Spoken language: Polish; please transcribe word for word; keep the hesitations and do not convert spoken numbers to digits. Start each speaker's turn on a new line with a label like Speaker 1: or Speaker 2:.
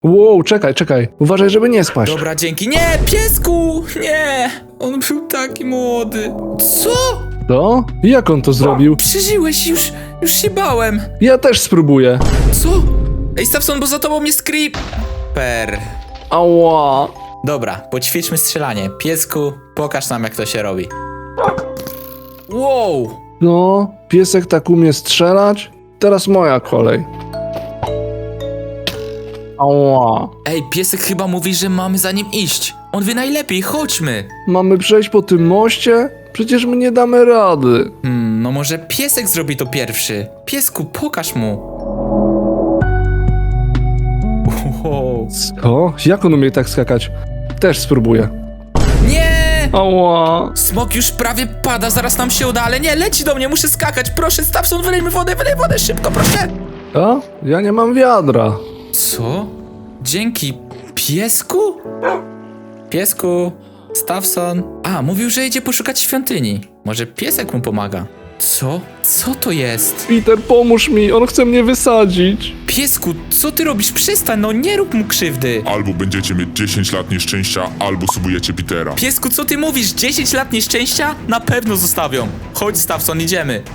Speaker 1: Wow, czekaj, czekaj. Uważaj, żeby nie spaść.
Speaker 2: Dobra, dzięki. Nie, piesku! Nie! On był taki młody. Co?
Speaker 1: To? Jak on to zrobił?
Speaker 2: Przeżyłeś, już, już się bałem.
Speaker 1: Ja też spróbuję.
Speaker 2: Co? Ej, Stawson, bo za tobą jest creeper.
Speaker 1: Ała.
Speaker 2: Dobra, poćwiczmy strzelanie. Piesku, pokaż nam, jak to się robi. Wow!
Speaker 1: No, piesek tak umie strzelać. Teraz moja kolej. Ała.
Speaker 2: Ej, piesek chyba mówi, że mamy za nim iść. On wie najlepiej, chodźmy.
Speaker 1: Mamy przejść po tym moście? Przecież my nie damy rady.
Speaker 2: Hmm, no może piesek zrobi to pierwszy. Piesku, pokaż mu. Wow.
Speaker 1: Co? Jak on umie tak skakać? Też spróbuję.
Speaker 2: Nie!
Speaker 1: Ała.
Speaker 2: Smok już prawie pada, zaraz nam się uda, ale nie, leci do mnie, muszę skakać. Proszę, Stawson, wylejmy wodę, wylej wodę, szybko, proszę.
Speaker 1: A? Ja nie mam wiadra.
Speaker 2: Co? Dzięki piesku? Piesku, Stawson. A, mówił, że idzie poszukać świątyni. Może piesek mu pomaga. Co? Co to jest?
Speaker 1: Peter, pomóż mi, on chce mnie wysadzić.
Speaker 2: Piesku, co ty robisz? Przestań, no nie rób mu krzywdy.
Speaker 3: Albo będziecie mieć dziesięć lat nieszczęścia, albo subujecie Petera.
Speaker 2: Piesku, co ty mówisz? dziesięć lat nieszczęścia? Na pewno zostawią. Chodź, Stawson, idziemy.